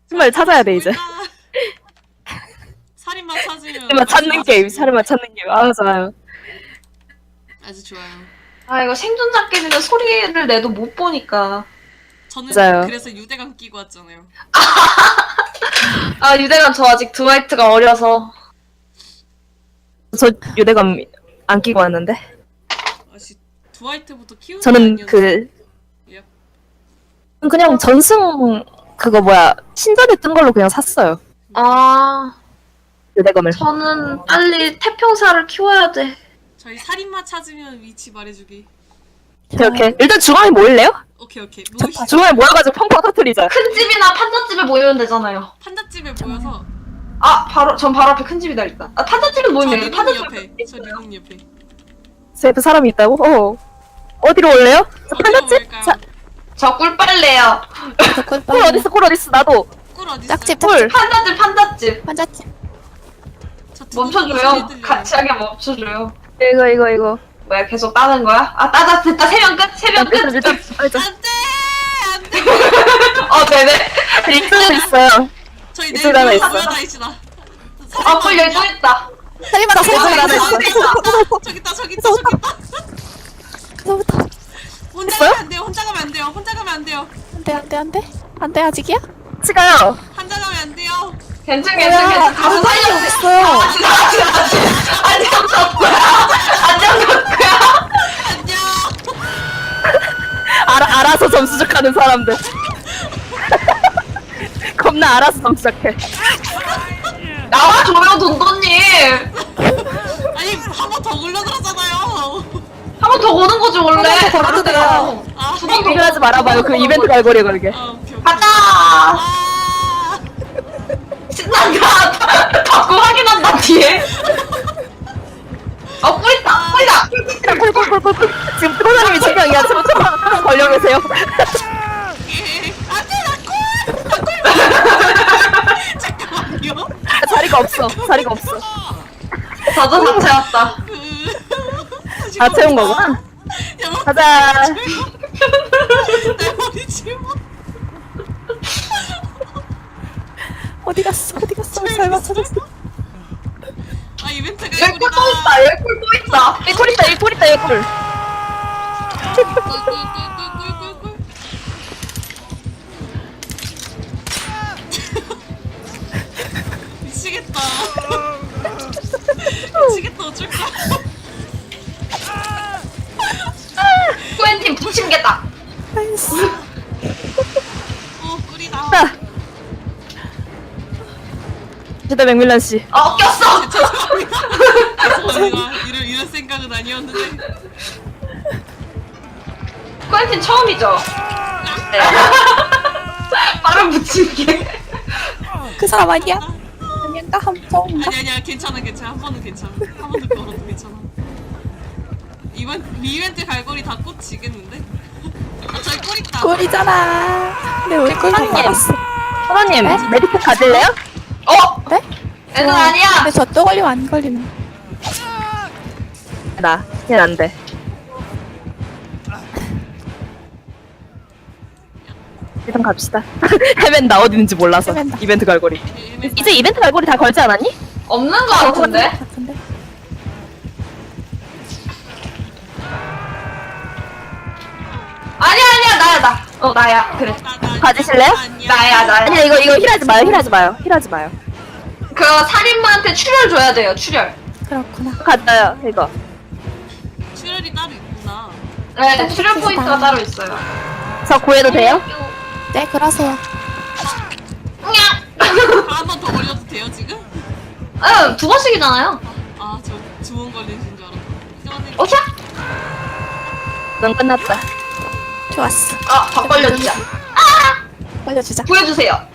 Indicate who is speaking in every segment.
Speaker 1: 신발 찾아야 돼 이제.
Speaker 2: 살인마 찾으면
Speaker 1: 살인마 찾는 게임, 살인마 찾는 게임. 아 좋아요.
Speaker 2: 아주 좋아요.
Speaker 3: 아 이거 생존자 게임인데 소리를 내도 못 보니까.
Speaker 2: 저는
Speaker 1: 맞아요.
Speaker 2: 그래서 유대감 끼고 왔잖아요.
Speaker 3: 아 유대감 저 아직 드와이트가 어려서.
Speaker 1: 저 유대감 안 끼고 왔는데.
Speaker 2: 아씨 드와이트부터 키우는
Speaker 1: 저는
Speaker 2: 거
Speaker 1: 그
Speaker 2: 예.
Speaker 1: 그냥 전승 그거 뭐야 신전에 뜬 걸로 그냥 샀어요.
Speaker 3: 아
Speaker 1: 유대감을.
Speaker 3: 저는 빨리 태평사를 키워야 돼.
Speaker 2: 저희 살인마 찾으면 위치 말해주기.
Speaker 1: 이렇게 일단 중앙에 모일래요?
Speaker 2: 오케이 모이시죠.
Speaker 1: 중앙에 모여가지고 펑펑 터트리자.
Speaker 3: 큰 집이나 판잣집에 모이면 되잖아요.
Speaker 2: 판잣집에 모여서
Speaker 3: 아 전 바로 앞에 큰 집이다 일단. 아 판잣집에
Speaker 2: 저
Speaker 3: 모이면
Speaker 2: 리본
Speaker 3: 판잣집
Speaker 2: 옆에 저 리본 옆에
Speaker 1: 제 옆에 사람이 있다고? 어디로 올래요? 저
Speaker 2: 어디로
Speaker 1: 판잣집?
Speaker 2: 모일까요?
Speaker 1: 자,
Speaker 3: 저 꿀빨래요.
Speaker 1: 꿀 어딨어? 꿀 어딨어? 나도.
Speaker 2: 꿀 어디 있어요?
Speaker 4: 짝집
Speaker 1: 꿀.
Speaker 3: 판잣집.
Speaker 4: 환자집.
Speaker 2: 저 두둥이
Speaker 3: 멈춰줘요.
Speaker 2: 소리 들려요.
Speaker 3: 같이 하게 멈춰줘요.
Speaker 1: 이거.
Speaker 3: 뭐야 계속 따는 거야? 아 따다 됐다. 3명 끝. 3명 끝.
Speaker 1: 일단
Speaker 2: 안돼
Speaker 3: 네네.
Speaker 1: 이쪽에 있어요.
Speaker 2: 저희
Speaker 1: 이쪽에
Speaker 2: 내일
Speaker 1: 하나 있어.
Speaker 2: 모여 다니시다.
Speaker 3: 아 꿀 여기 또 있다.
Speaker 4: 살림하다
Speaker 1: 이쪽에 하나 있어.
Speaker 2: 저기 있다
Speaker 4: 그거부터.
Speaker 2: 혼자
Speaker 1: 있어요?
Speaker 2: 가면 안 돼요. 혼자 가면 안 돼요.
Speaker 4: 안돼 아직이야?
Speaker 1: 같이 가요.
Speaker 2: 혼자 가면 안 돼요.
Speaker 3: 괜찮. 가서 살려.
Speaker 4: 있어요.
Speaker 3: 안녕 덕구야.
Speaker 2: 안녕.
Speaker 1: 알아서 점수적하는 사람들. 겁나 알아서 점수적해.
Speaker 3: 나와줘요 돈돈님.
Speaker 2: 아니 한 번 더 굴러들었잖아요.
Speaker 3: 한 번 더 오는 거지 원래.
Speaker 4: 걸어도 돼요.
Speaker 2: 아,
Speaker 3: 두번 더.
Speaker 1: 이거 하지 말아봐요. 그 이벤트 갈고리 걸게.
Speaker 2: 오케이.
Speaker 3: 가자.
Speaker 2: 아,
Speaker 3: 신난다. 덕구 확인한다 뒤에. 꿀이다.
Speaker 1: 꿀. 지금 프로님이 중요한 지금 프로 걸려 계세요.
Speaker 2: 예. 안돼 나 잠깐만요.
Speaker 1: 자리가 없어.
Speaker 3: 저도 다 채웠다.
Speaker 1: 다 채운 거구나. 가자.
Speaker 2: 내 머리 지금
Speaker 4: 어디 갔어? 설마 찾았어?
Speaker 2: 아 이벤트가
Speaker 3: 여기 꿀 또 있다. 여기 꿀 또 있다.
Speaker 1: 이 꿀 있다. 이 꿀.
Speaker 2: 꿀꿀꿀꿀꿀꿀꿀. 미치겠다. 미치겠다 어쩔까?
Speaker 3: 꾸엔팀 부침개다.
Speaker 2: 꿀이다.
Speaker 1: 자. 시대 맥밀란 씨.
Speaker 3: 꼈어.
Speaker 2: 죄송합니다. 이런 생각은 아니었는데.
Speaker 3: 꾸엔팀 처음이죠. 네. 빠른 부침개.
Speaker 4: 그 사람 아니야? 아닌가? 처음인가?
Speaker 2: 아니야 괜찮아 한 번은 괜찮아. 한 번 듣고 가도 괜찮아. 이번 리이벤트 갈고리 다 꽃 지겠는데? 아 저기 꿀 있다.
Speaker 4: 꿀이잖아. 근데 왜 꿀만 받았어?
Speaker 1: 프로님
Speaker 4: 네?
Speaker 1: 메디킷 가질래요?
Speaker 4: 네?
Speaker 3: 애는 아니야.
Speaker 4: 근데 저 또 걸리면 안 걸리는.
Speaker 1: 얘는 안 돼. 일단 갑시다. 헤맨다 어디 있는지 몰라서.
Speaker 4: 헤맨다.
Speaker 1: 이벤트 갈고리.
Speaker 2: 얘네
Speaker 1: 이제 이벤트 갈고리 다 걸지 않았니?
Speaker 3: 없는 거 같은데?
Speaker 4: 같은데?
Speaker 3: 아니야 나야 나. 나야. 그래.
Speaker 1: 가지실래요?
Speaker 3: 나야.
Speaker 1: 아니야 이거 힐하지 마요.
Speaker 3: 그 살인마한테 출혈 줘야 돼요. 출혈.
Speaker 4: 그렇구나.
Speaker 1: 가져요 이거.
Speaker 2: 출혈이 따로 있구나.
Speaker 3: 네, 출혈 포인트가 따로 있어요.
Speaker 1: 저 구해도 돼요?
Speaker 4: 네, 그러세요.
Speaker 2: 한 번 더 걸려도 돼요 지금?
Speaker 3: 응, 2번씩이잖아요.
Speaker 2: 아 저 주문 걸리신 줄 알았다.
Speaker 3: 오차?
Speaker 1: 넌 끝났다.
Speaker 4: 좋았어.
Speaker 3: 더 걸려주자.
Speaker 4: 걸려주자.
Speaker 3: 구해주세요.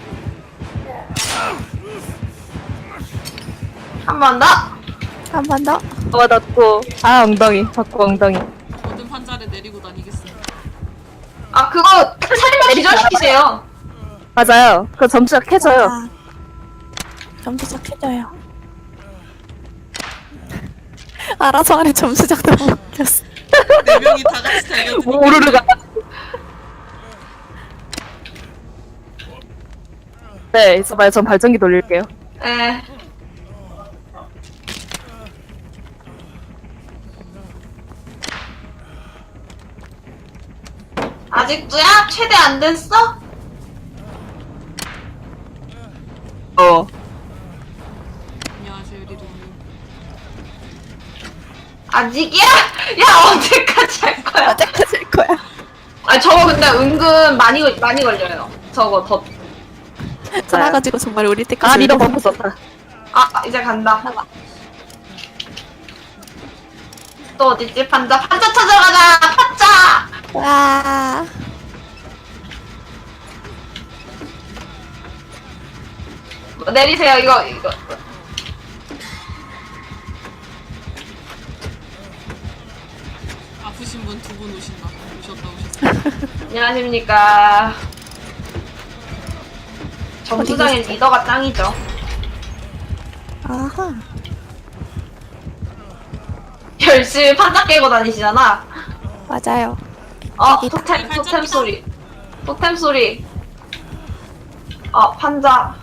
Speaker 3: 한 번 더.
Speaker 4: 한 번 더.
Speaker 1: 넣고 엉덩이 자꾸 엉덩이.
Speaker 2: 모든 판자를 내리고 다니겠어.
Speaker 3: 그거 살인마 기절시키세요.
Speaker 1: 맞아요. 그거 점수가 캐져요.
Speaker 4: 아, 점수 착해져요. 알아서 하는 점수 작도 못 웃겼어.
Speaker 2: 네 명이 다 같이 달려드니.
Speaker 1: 오르르가. 네, 있어봐요. 전 발전기 돌릴게요.
Speaker 3: 에. 아직도야? 최대 안 됐어?
Speaker 2: 안녕하세요 리루님.
Speaker 3: 아직이야? 야, 언제까지 할 거야?
Speaker 4: 언제까지 할 거야?
Speaker 3: 아, 저거 근데 은근 많이 걸려요. 저거 더.
Speaker 4: 살아가지고 정말 우리 때까지.
Speaker 1: 아, 리더 버프 썼다.
Speaker 3: 아, 이제 간다. 또 어디지? 판자 찾아가자! 판자!
Speaker 4: 와.
Speaker 3: 내리세요, 이거.
Speaker 2: 아프신 분 두 분 오셨다.
Speaker 3: 안녕하십니까. 정수장의 리더가 짱이죠.
Speaker 4: 아하.
Speaker 3: 열심히 판자 깨고 다니시잖아.
Speaker 4: 맞아요.
Speaker 3: 토템
Speaker 2: 발전기다.
Speaker 3: 소리. 토템 소리. 판자.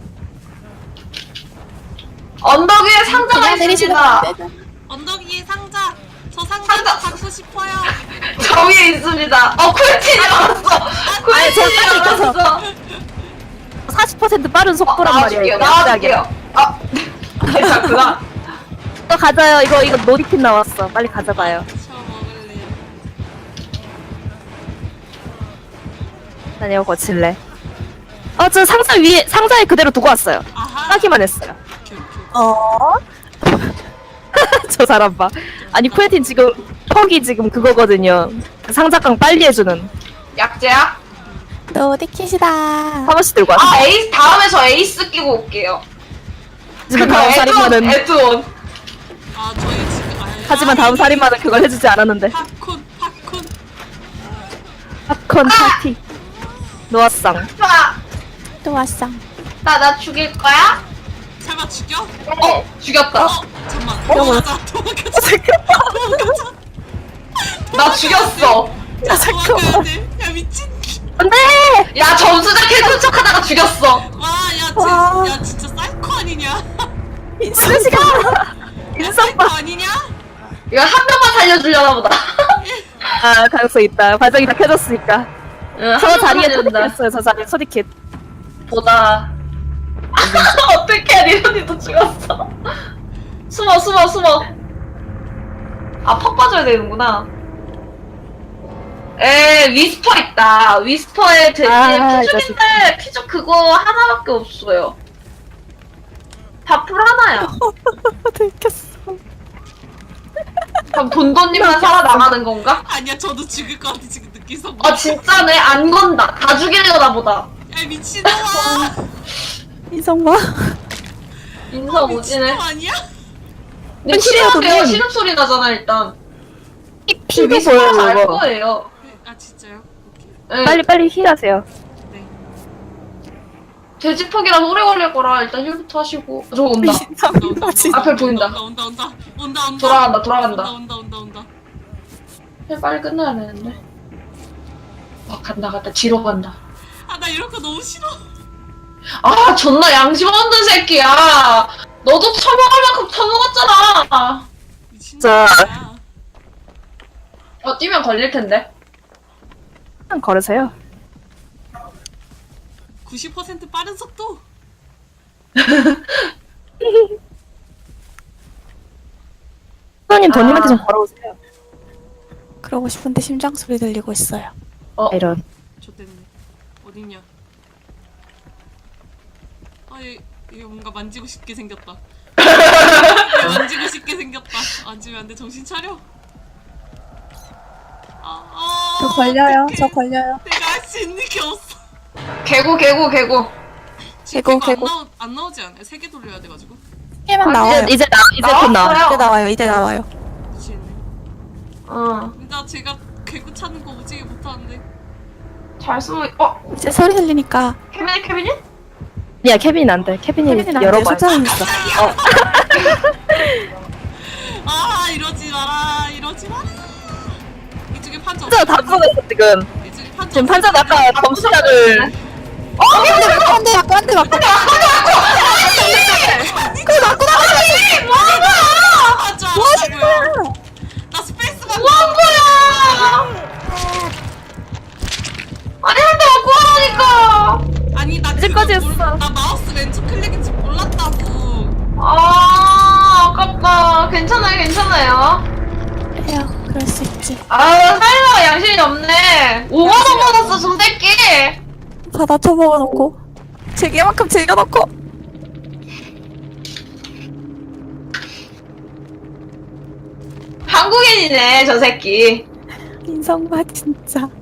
Speaker 3: 언덕 위에 상자가
Speaker 4: 그냥 내리시면
Speaker 3: 있습니다.
Speaker 4: 안 되죠.
Speaker 2: 언덕 위에 상자. 저 상자
Speaker 3: 상자.
Speaker 2: 갖고 싶어요.
Speaker 3: 저 위에 있습니다. 쿨틴이 왔어. 쿨틴이 왔어.
Speaker 1: 40% 빠른 속도란 말이야. 이거
Speaker 3: 나와줄게요. 괜찮구나.
Speaker 1: 또 가져요. 이거 놀이핀 나왔어. 빨리 가져가요.
Speaker 2: 저 먹을래요.
Speaker 1: 난 이거 거칠래. 저 상자에 그대로 두고 왔어요.
Speaker 2: 아하.
Speaker 1: 따기만 했어요.
Speaker 2: 오케이, 오케이.
Speaker 1: 어? 저 사람 봐. 아니, 쿠에틴 지금, 퍽이 지금 그거거든요. 상자깡 빨리 해주는.
Speaker 3: 약제야?
Speaker 4: 노디킷이다.
Speaker 1: 한 번씩 들고 왔어.
Speaker 3: 에이스, 다음에 저 에이스 끼고 올게요.
Speaker 1: 하지만 다음 살인마는,
Speaker 3: 에드온.
Speaker 2: 저희 지금
Speaker 1: 하지만 다음 살인마는 그걸 해주지 않았는데.
Speaker 2: 팝콘.
Speaker 1: 팝콘 파티. 노아상.
Speaker 4: 또 왔어.
Speaker 3: 나 죽일 거야?
Speaker 2: 설마 죽여?
Speaker 3: 죽였다.
Speaker 2: 잠만.
Speaker 1: 잠깐만.
Speaker 2: 도망가자.
Speaker 3: 나 죽였어.
Speaker 2: 도망가야 돼. 야 미친.
Speaker 1: 안 돼!
Speaker 3: 야, 점수작 해준 척 하다가 죽였어.
Speaker 4: 와.
Speaker 2: 야 진짜 사이코 아니냐?
Speaker 1: 인성가!
Speaker 2: 사이코
Speaker 1: 인성봐.
Speaker 2: 아니냐?
Speaker 3: 이거 한 명만 살려주려나 보다.
Speaker 1: 가능성 있다. 발전기 다 켜졌으니까.
Speaker 3: 응,
Speaker 1: 저
Speaker 3: 한
Speaker 1: 자리에
Speaker 3: 명만 살려준다.
Speaker 1: 소디킷 저 자리에 소디킷.
Speaker 3: 보다. 어떡해, 리언이도 죽었어. 숨어. 퍽 빠져야 되는구나. 위스퍼 있다. 위스퍼에 피죽인데, 피죽 그거 하나밖에 없어요. 밥풀 하나야.
Speaker 4: 들켰어.
Speaker 3: 그럼 돈돈님만 살아나가는 건가?
Speaker 2: 아니야 저도 죽을 것 같아 지금 느끼서.
Speaker 3: 진짜네. 안 건다. 다 죽이려나 보다.
Speaker 2: 야 미친놈아.
Speaker 4: 이성마.
Speaker 3: 인사 오지네.
Speaker 2: 미친놈 아니야?
Speaker 3: 근데
Speaker 1: 싫어요,
Speaker 3: 싫어요.
Speaker 1: 돈님.
Speaker 3: 신음소리 나잖아, 일단.
Speaker 1: 피도
Speaker 3: 위스퍼라서
Speaker 1: 보여요,
Speaker 3: 알
Speaker 1: 이거.
Speaker 3: 거예요.
Speaker 2: 아 진짜요? 오케이.
Speaker 3: 네.
Speaker 1: 빨리 힐하세요.
Speaker 2: 네.
Speaker 3: 돼지퍽이라서 오래 걸릴 거라 일단 힐부터 하시고. 저 온다.
Speaker 4: 이성마 진짜.
Speaker 3: 앞에 보인다.
Speaker 2: 온다.
Speaker 3: 돌아간다. 힐 빨리 끝나야 되는데. 간다. 뒤로 간다.
Speaker 2: 나 이런 거 너무 싫어.
Speaker 3: 존나 양심 없는 새끼야. 너도 처먹을 만큼 처먹었잖아.
Speaker 2: 미친놈이야.
Speaker 3: 뛰면 걸릴 텐데.
Speaker 1: 그냥 걸으세요.
Speaker 2: 90% 빠른 속도.
Speaker 1: 수호님 돈님한테 좀 걸어오세요.
Speaker 4: 그러고 싶은데 심장 소리 들리고 있어요.
Speaker 1: 이런.
Speaker 2: 좋댔네. 어딨냐? 이거 뭔가 만지고 싶게 생겼다. 만지고 싶게 생겼다. 만지면 안 돼. 정신 차려.
Speaker 4: 저 걸려요.
Speaker 2: 어떡해.
Speaker 4: 저 걸려요.
Speaker 2: 내가 할 수 있는 게 없어.
Speaker 3: 개고.
Speaker 2: 지금
Speaker 4: 개고.
Speaker 2: 안 나오지 않아요? 3개 돌려야 돼가지고.
Speaker 4: 개만 나와요.
Speaker 1: 이제 곧 나와.
Speaker 4: 이제 나와요.
Speaker 2: 미치겠네. 나 제가 개구 찾는 거 오지게 못하는데.
Speaker 3: 잘 숨어.
Speaker 4: 이제 소리 들리니까.
Speaker 3: 케빈이?
Speaker 1: 야, 케빈 안 돼. 케빈이
Speaker 4: 혜린이는 안 돼요.
Speaker 1: 열어봐요.
Speaker 4: 속장은 있어.
Speaker 2: 이러지 마라. 이쪽에 판자
Speaker 1: 판자 다 부서졌어, 지금.
Speaker 2: 이쪽에 판자
Speaker 1: 지금 판자가 아까 점수작을
Speaker 4: 안돼 맞고 안돼 맞고. 그거 맞고 나가지.
Speaker 2: 맞아.
Speaker 4: 뭐 하시는 거야?
Speaker 2: 나 스페이스만.
Speaker 3: 뭐한 거야? 아니 한 대 맞고 하라니까.
Speaker 2: 아니 나
Speaker 1: 이제까지
Speaker 2: 그거
Speaker 1: 했어.
Speaker 2: 나 마우스 왼쪽 클릭인지 몰랐다고.
Speaker 3: 아 아깝다. 괜찮아요.
Speaker 4: 에휴 그럴 수 있지.
Speaker 3: 아 살려가 양심이 없네. 5만 원 받았어 저 새끼.
Speaker 4: 받아 쳐먹어놓고 즐길만큼 즐겨놓고.
Speaker 3: 한국인이네 저 새끼.
Speaker 4: 인성봐 진짜.